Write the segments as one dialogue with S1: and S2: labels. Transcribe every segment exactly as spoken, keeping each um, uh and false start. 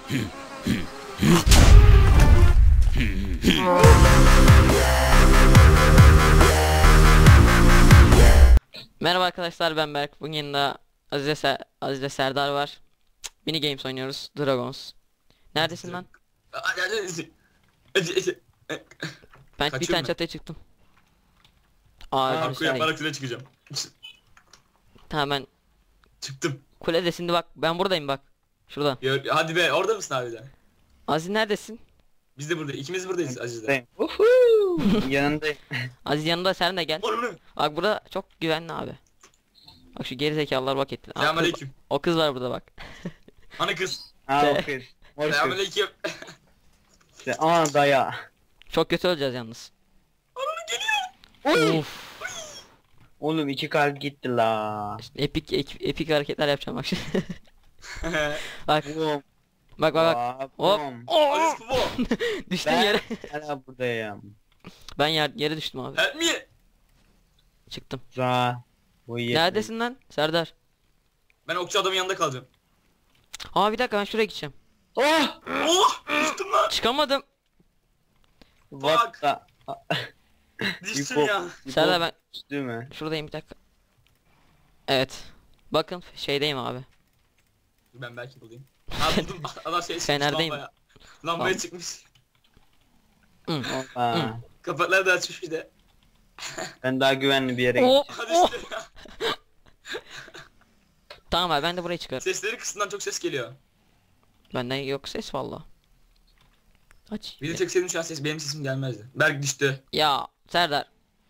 S1: Merhaba arkadaşlar, ben Berk. Bugün yanında Azize, Ser Azize Serdar var. Mini Games oynuyoruz. Dragons. Neredesin lan? Ben bir tane çatıya çıktım. Aa,
S2: Parkur yaparak şuraya çıkacağım.
S1: Tamam, ben
S2: Çıktım.
S1: kulede şimdi bak, ben buradayım bak. Şuradan.
S2: Ya, hadi be, orada mısın abi de?
S1: Aziz neredesin?
S2: Biz de buradayız. İkimiz buradayız Aziz'le.
S3: Yanındayım.
S1: Aziz yanında, sen de gel.
S2: Onu.
S1: Bak burada çok güvenli abi. Bak şu geri zekalılar bak etti. Aa, kız-
S2: Selamünaleyküm.
S1: O kız var burada bak.
S2: Ana kız.
S3: Ha o kız. Mor kız.
S2: Selamünaleyküm.
S3: İşte, aa daya.
S1: Çok kötü öleceğiz yalnız.
S2: Ana geliyor.
S1: Of.
S3: Oğlum iki kalp gitti la.
S1: İşte epik epik, epik hareketler yapacağım bak şimdi. Bak
S3: Boom.
S1: bak bak bak. Hop.
S3: Boom.
S1: Oo!
S2: Aziz Kubo.
S1: Düştüm
S3: Ben
S1: yere.
S3: hala buradayım.
S1: Ben yer, yere düştüm abi.
S2: Help me.
S1: Çıktım.
S3: Za. Bu iyi.
S1: Neredesin lan Serdar?
S2: Ben okçu adamın yanında kalacağım.
S1: Aa bir dakika, ben şuraya gideceğim.
S3: Oh!
S2: Oh! Düştüm lan.
S1: Çıkamadım.
S3: What the...
S2: Düştüm
S3: İpo-
S2: ya.
S3: İpo
S1: Serdar ben
S3: düştü mü?
S1: şuradayım, bir dakika. Evet. Bakın şeydeyim abi.
S2: Ben belki bulayım. Ha buldum. Adam şey çıkmış
S1: Fenerdeyim.
S2: lambaya. Lambaya
S1: Tamam.
S2: çıkmış.
S1: Hı.
S3: Aa,
S2: Kapakları da açmış bir de.
S3: ben daha güvenli bir yere
S1: Oh,
S3: gideceğim.
S2: Hadi
S1: oh.
S2: işte ya.
S1: Tamam abi, ben de buraya çıkarım.
S2: Sesleri kısmından çok ses geliyor.
S1: Benden yok ses valla. Aç.
S2: Bir de çekseydim şu an ses, benim sesim gelmezdi. Berk düştü.
S1: Ya Serdar.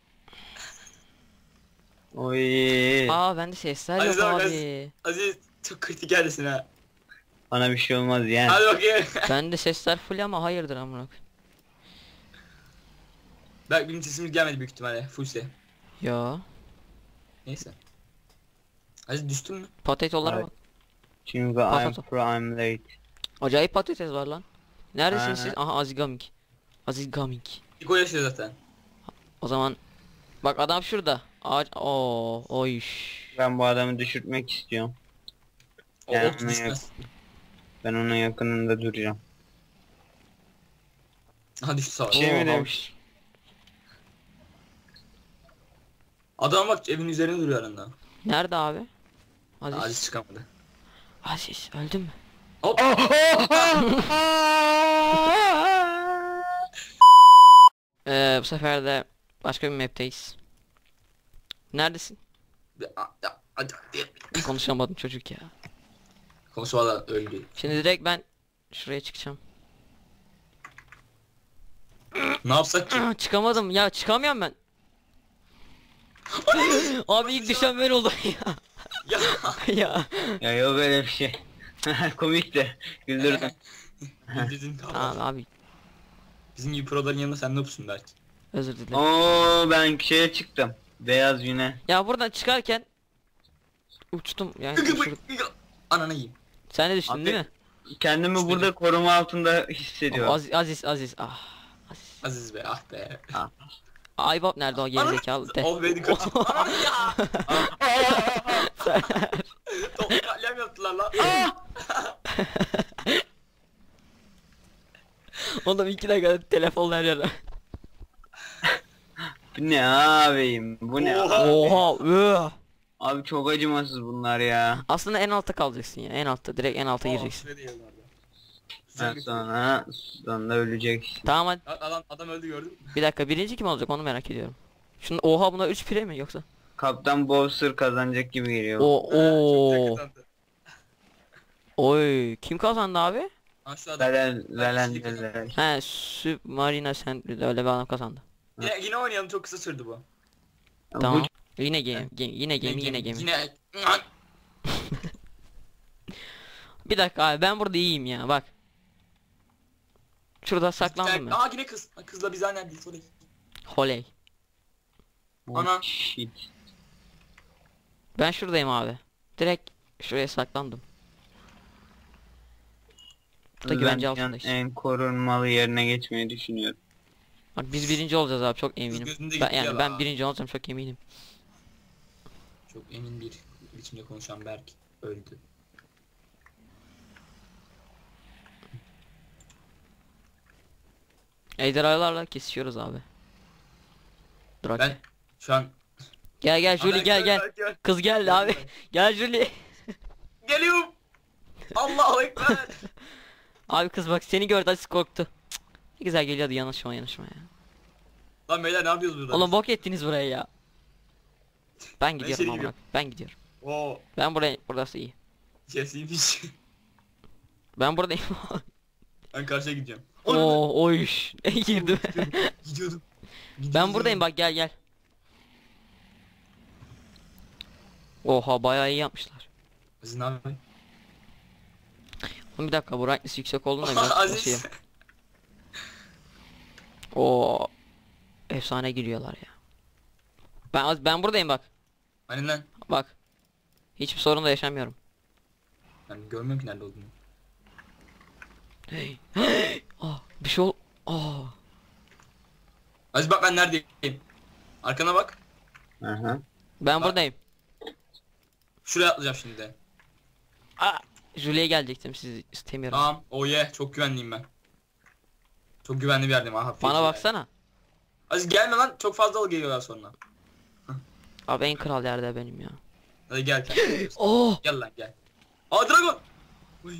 S3: Oy.
S1: Aa bende sesler yok
S2: Aziz abi,
S1: abi.
S2: Aziz çok kritik yerdesin ha.
S3: Bana bir şey olmaz yani.
S2: Hadi bakayım.
S1: Bende sesler full ama hayırdır amına koyayım.
S2: Berk benim sesimiz gelmedi büyük ihtimalle. Fullse.
S1: Ya.
S2: Neyse. Aziz düştün mü?
S1: Patatolara
S3: Evet.
S1: bak.
S3: Çünkü I'm
S1: Patato.
S3: prime late.
S1: Acayip patates var lan. Neredesiniz
S3: Ha.
S1: siz? Aha Aziz Gaming. Aziz Gaming.
S2: İko yaşıyor zaten.
S1: O zaman bak adam şurada. Ağaç. Oo, oy.
S3: Ben bu adamı düşürtmek istiyorum.
S2: O
S3: Yani
S2: ok
S3: ona
S2: düşmez.
S3: Ben onun yakınında duracağım.
S2: Aha düştü sağ ol.
S3: Şey mi
S1: Oo,
S3: demiş?
S2: Adam bak evin üzerinde duruyor aranda.
S1: Nerede abi? Aziz.
S2: Aziz çıkamadı.
S1: Aziz öldün mü?
S2: Hop.
S1: Ee, bu sefer de başka bir map'teyiz. Neredesin? Konuşamadım çocuk ya.
S2: Konuşmadan öldü.
S1: Şimdi direkt ben şuraya çıkacağım.
S2: Ne yapsak ki?
S1: Aa, çıkamadım ya, çıkamıyorum ben. Abi ilk düşen ben oldum ya.
S2: Ya.
S1: Ya.
S3: Ya yok öyle bir şey. Komik de. Güldürdüm.
S2: Bildirdin kaldı.
S1: Tamam abi,
S2: Bizim gibi proların yanında sen ne yapıyorsun Berk?
S1: özür dilerim.
S3: Oo ben şeye çıktım. Beyaz yine.
S1: Ya buradan çıkarken uçtum yani. uçurdum.
S2: Ananı yiyeyim.
S1: Sen de düştün
S3: Abi,
S1: değil mi?
S3: Kendimi
S2: İşte
S3: burada koruma altında hissediyorum.
S1: Aziz Aziz Aziz. Ah. Aziz.
S2: Aziz be, ah be.
S1: Aybap nerede o gerizekalı de.
S2: Oh beni kaçır. Ananı ya.
S1: Sen-
S2: Toplu katliam yaptılar lan.
S1: Oğlum iki dakika telefon her yere.
S3: Bu ne abim? Bu ne?
S2: Oha.
S1: Oha. üh.
S3: Abi çok acımasız bunlar ya.
S1: Aslında en altta kalacaksın ya. En altta, direkt en alta gireceksin.
S3: Ben sonra sonra ölecek.
S1: Tamam hadi.
S2: Adam, adam öldü gördün mü?
S1: Bir dakika, birinci kim olacak onu merak ediyorum. Şunu oha, buna üç pire mi yoksa?
S3: Kaptan Bowser kazanacak gibi geliyor.
S1: O
S2: Çok
S1: o.
S2: yakındı.
S1: Oy, kim kazandı abi?
S2: Ha şu adam.
S3: Velen velen
S2: kişilik
S3: velen.
S1: He, Submarina sen öyle bir adam kazandı.
S2: Yine, yine oynayalım, çok kısa sürdü bu.
S1: Tamam. Yine game, game yine game yine game.
S2: Yine.
S1: Bir dakika abi, ben burada iyiyim ya bak. Şurada saklandım ben.
S2: Aa yine kız. Kızla biz aynı değil. Sorry.
S1: Holey.
S3: Bu...
S2: Ana.
S3: Oh, shit.
S1: Ben şuradayım abi. Direkt şuraya saklandım. Burada güvence
S3: Ben
S1: altındayız.
S3: en korunmalı yerine geçmeyi düşünüyorum.
S1: Bak biz birinci olacağız abi, çok eminim.
S2: gözünde
S1: Ben,
S2: gitti
S1: yani
S2: ya
S1: ben
S2: la.
S1: birinci olacağım, çok eminim.
S2: Çok emin bir biçimde konuşan Berk öldü.
S1: Ejderhalarla kesişiyoruz abi. Drake.
S2: Ben şu an...
S1: Gel gel Julie
S2: Ana,
S1: gel gel.
S2: gel.
S1: Kız geldi abi. Gel Julie.
S2: Geliyorum. Allahu Ekber.
S1: Abi kız bak seni gördü az korktu. Cık, ne güzel geliyordu yanaşma yanaşma ya.
S2: Lan beyler ne yapıyoruz burada?
S1: Oğlum bok ettiniz buraya ya. Ben gidiyorum
S2: içeri
S1: amına.
S2: giriyorum.
S1: Ben gidiyorum.
S2: Oo.
S1: Ben buraya burası iyi.
S2: Kesiymiş.
S1: Ben buradayım.
S2: Ben karşıya gideceğim.
S1: Oo oyş. Girdim.
S2: Gidiyordum.
S1: Ben buradayım bak gel gel. Oha bayağı iyi yapmışlar.
S2: Aziz ne yapıyorsun?
S1: Oğlum bir dakika bu brightness yüksek olduğunda biraz basayım.
S2: Aziz.
S1: Oo. Efsane giriyorlar ya. Ben az ben buradayım bak.
S2: Hani lan?
S1: Bak. Hiçbir sorun da yaşamıyorum.
S2: Ben görmüyorum ki nerede olduğunu.
S1: Hey. Ah bir şey ol. Aa.
S2: Aziz bak ben neredeyim? Arkana bak.
S3: Aha.
S1: Ben
S2: Bak.
S1: buradayım.
S2: Şuraya atlayacağım şimdi de.
S1: Aa. Julie'ye gelecektim sizi istemiyorum.
S2: Tamam. Oh yeah. Çok güvenliyim ben. Çok güvenli bir yerdeyim. Aha,
S1: Bana
S2: peki
S1: baksana.
S2: yani. Aziz gelme lan. Çok fazla al geliyorlar sonra.
S1: Abi en kral yerde benim ya.
S2: Hadi gel. Gel,
S1: Oh.
S2: gel lan gel. Aa dragon. Uy.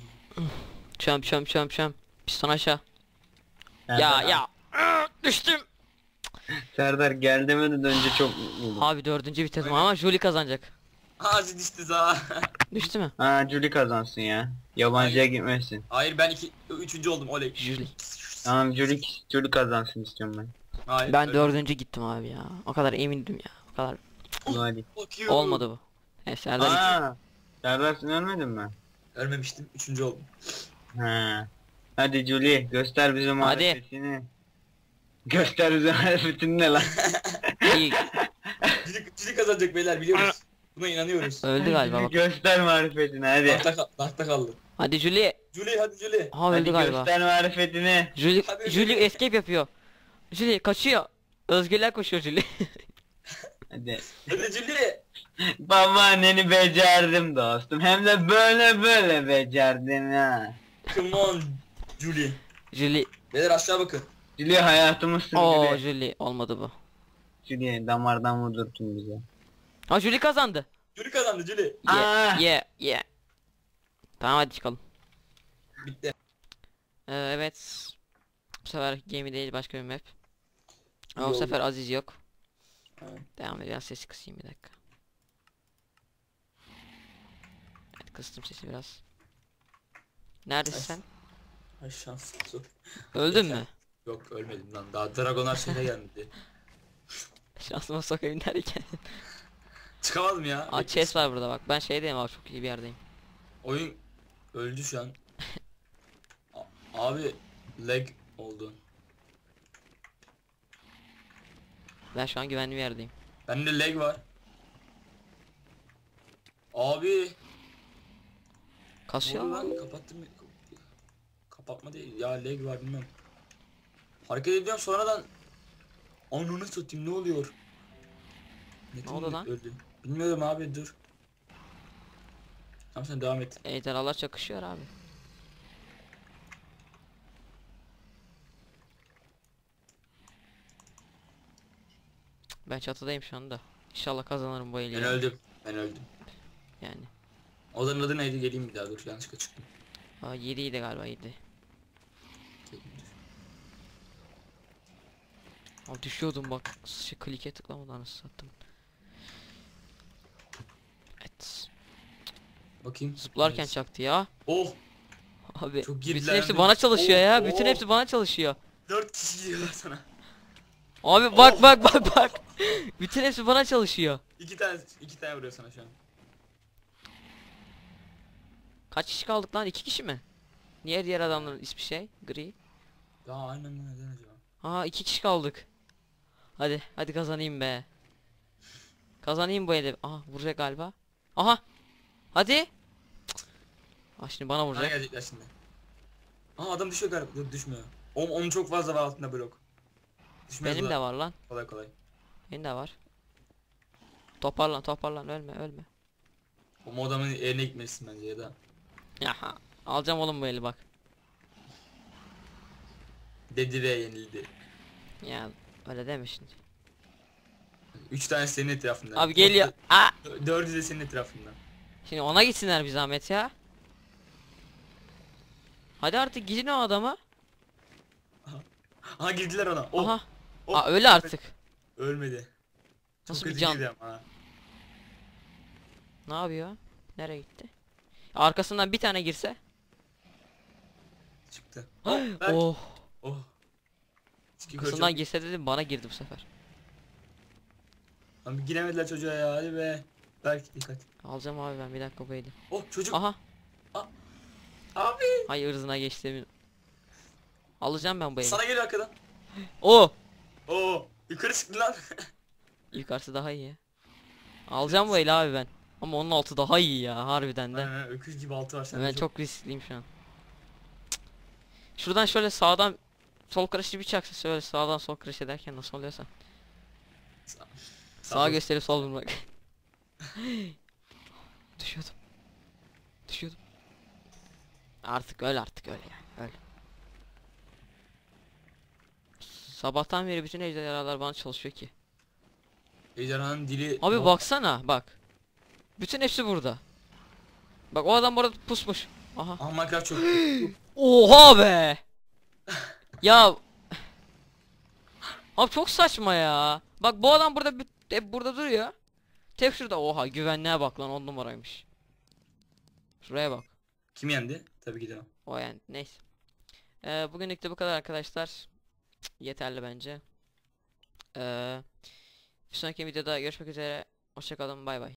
S1: Çöm çöm çöm çöm. Piston aşağı.
S3: Serdar,
S1: Ya ya. Aa, düştüm.
S3: Serdar gel demeden önce çok mutluydum.
S1: Abi dördüncü vites
S2: Aynen.
S1: ama Julie kazanacak.
S2: Aa, Aziz düştü za.
S1: Düştü mü?
S3: Ha Julie kazansın ya. Yabancıya gitmesin.
S2: Hayır ben iki, üçüncü oldum oley.
S1: Julie.
S3: Tamam Julie, Julie kazansın istiyorum ben.
S2: Hayır.
S1: Ben
S2: öyle.
S1: dördüncü gittim abi ya. O kadar emindim ya. O kadar.
S3: Hadi.
S2: Fuck you.
S1: Olmadı bu. Evet Serdar iki.
S3: Aa, Serdar sen ölmedin mi?
S2: Ölmemiştim. Üçüncü oldum.
S3: Ha. Hadi Julie göster bize marifetini. Göster bize marifetini ne lan?
S1: İyi.
S2: Cili, cili kazanacak beyler biliyoruz. Buna inanıyoruz.
S1: Öldü galiba bak.
S3: Göster marifetini hadi.
S2: Tahta, kal- tahta kaldı.
S1: Hadi Julie.
S2: Julie hadi Julie.
S1: Ha öldü
S3: Hadi
S1: galiba.
S3: göster marifetini.
S1: Julie,
S2: Hadi
S1: Julie
S2: Julie.
S1: escape yapıyor. Julie kaçıyor. Özgürler koşuyor Julie.
S3: Hadi.
S2: Hadi Julie.
S3: Babaanneni becerdim dostum. Hem de böyle böyle becerdim ha.
S2: Come on Julie.
S1: Julie.
S2: Beyler aşağı bakın.
S3: Julie hayatımızsın
S1: Oo
S3: Julie.
S1: Julie olmadı bu.
S3: Julie damardan vurdurtun bize.
S1: Ha Julie kazandı.
S2: Julie kazandı Julie.
S1: Yeah
S3: Aa.
S1: yeah yeah. Tamam hadi çıkalım.
S2: Bitti.
S1: Ee, evet. Bu sefer gemi değil başka bir map. Ama
S2: İyi
S1: bu
S2: oldu.
S1: sefer Aziz yok.
S2: Evet.
S1: Devam ediyor. Biraz sesi kısayım bir dakika. Evet kıstım sesi biraz. Neredesin
S2: Ay.
S1: sen?
S2: Ay şans.
S1: Öldün mü?
S2: Yok ölmedim lan. Daha Dragonar şeyine gelmedi.
S1: Şansıma sokayım derken.
S2: Çıkamadım ya.
S1: Aa chest var burada bak. Ben şeydeyim abi çok iyi bir yerdeyim.
S2: Oyun öldü şu an. A- Abi lag oldu.
S1: Ben şu an güvenli bir yerdeyim.
S2: Bende lag var. Abi.
S1: Kasıyor
S2: Ne oldu
S1: mu?
S2: lan kapattım. Kapatma değil ya lag var bilmem. Hareket ediyorum sonradan. Ananı satayım ne oluyor? Netim
S1: oldu
S2: mi
S1: lan?
S2: öldü? Bilmiyorum abi dur. Tamam sen devam et.
S1: Ejderhalar çakışıyor abi. Ben çatıdayım şu anda. İnşallah kazanırım bu eli.
S2: Ben
S1: ya.
S2: öldüm. Ben öldüm.
S1: Yani.
S2: Odanın adı neydi? Geleyim bir daha dur yanlışlıkla çıktım.
S1: Aa yedi idi galiba yedi.
S2: Geleyim, dur.
S1: Abi düşüyordum bak. Şey klike tıklamadan nasıl sattım. Evet.
S2: Bakayım.
S1: Zıplarken
S2: Evet.
S1: çaktı ya.
S2: Oh!
S1: Abi
S2: Çok
S1: bütün
S2: gerilendim.
S1: hepsi bana çalışıyor ya.
S2: Oh,
S1: Bütün
S2: oh.
S1: hepsi bana çalışıyor.
S2: Dört kişi geliyorlar sana.
S1: Abi bak
S2: Oh.
S1: bak bak bak. Bütün hepsi bana çalışıyor.
S2: İki tane iki tane vuruyor sana şu an.
S1: Kaç kişi kaldık lan? İki kişi mi? Niye diğer adamların ismi şey? Gri.
S2: Ya aynen lan neden acaba?
S1: Aa iki kişi kaldık. Hadi hadi kazanayım be. Kazanayım bu eli. Aha vuracak galiba. Aha. Hadi. Cık. Ah şimdi bana
S2: Bana
S1: vuracak.
S2: gelecekler şimdi. Aa adam düşüyor galiba. Yok düşmüyor. Onun, onun çok fazla var altında blok. Düşmez
S1: Benim
S2: lan.
S1: de var lan.
S2: Kolay kolay.
S1: Benim de var. Toparlan toparlan ölme ölme.
S2: O adamın yerine gitmelisin bence ya da.
S1: Yaha. Alacağım oğlum bu eli bak.
S2: Dedi ve yenildi.
S1: Ya öyle deme şimdi.
S2: Üç tane senin etrafından.
S1: Abi geliyor. Aa!
S2: Dö- Dördü de senin etrafından.
S1: Şimdi ona gitsinler bir zahmet ya. Hadi artık gidin o adama.
S2: Aha girdiler ona. Oh.
S1: Aha.
S2: Oh.
S1: Aa öyle artık.
S2: Ölmedi. Çok
S1: Nasıl bir
S2: kötü
S1: can?
S2: girdi ama ha.
S1: Ne yapıyor? Nereye gitti? Arkasından bir tane girse.
S2: Çıktı. Oh. Berk.
S1: Oh.
S2: Oh. Çıkı
S1: Arkasından
S2: çok-
S1: girse dedim, bana girdi bu sefer.
S2: Abi giremediler çocuğa ya, hadi be. Berk dikkat.
S1: Alacağım abi ben, bir dakika bu eli.
S2: Oh çocuk.
S1: Aha.
S2: Abi.
S1: Hay ırzına geçti. Alacağım ben bu eli.
S2: Sana geliyor arkadan.
S1: O.
S2: Oo. Yukarı çıktı lan.
S1: Yukarısı daha iyi ya. Alacağım bu eli abi ben. Ama onun altı daha iyi ya harbiden de.
S2: Aynen, öküz gibi altı var sende.
S1: Ben çok riskliyim şu an. Cık. Şuradan şöyle sağdan sol karışı bir çaksa, şöyle sağdan sol karış ederken nasıl oluyorsa.
S2: Sağ-
S1: Sağa gösterip sol vurmak. Düşüyordum. Düşüyordum. Artık öyle, artık öyle yani öyle. Sabahtan beri bütün ejderhalar bana çalışıyor ki.
S2: Ejderhanın dili.
S1: Abi
S2: Oh.
S1: baksana bak. Bütün hepsi burada. Bak o adam burada pusmuş. Aha.
S2: Aha Minecraft çok.
S1: Oha be. Ya. Abi çok saçma ya. Bak bu adam burada bir- hep burada duruyor. Tek şurada, oha güvenliğe bak lan, on numaraymış. Şuraya bak.
S2: Kim yendi? Tabii ki de. o.
S1: O yani neyse. Ee, bugünlük de bu kadar arkadaşlar. Cık, yeterli bence. Ee, bir sonraki videoda görüşmek üzere. Hoşça kalın, bay bay.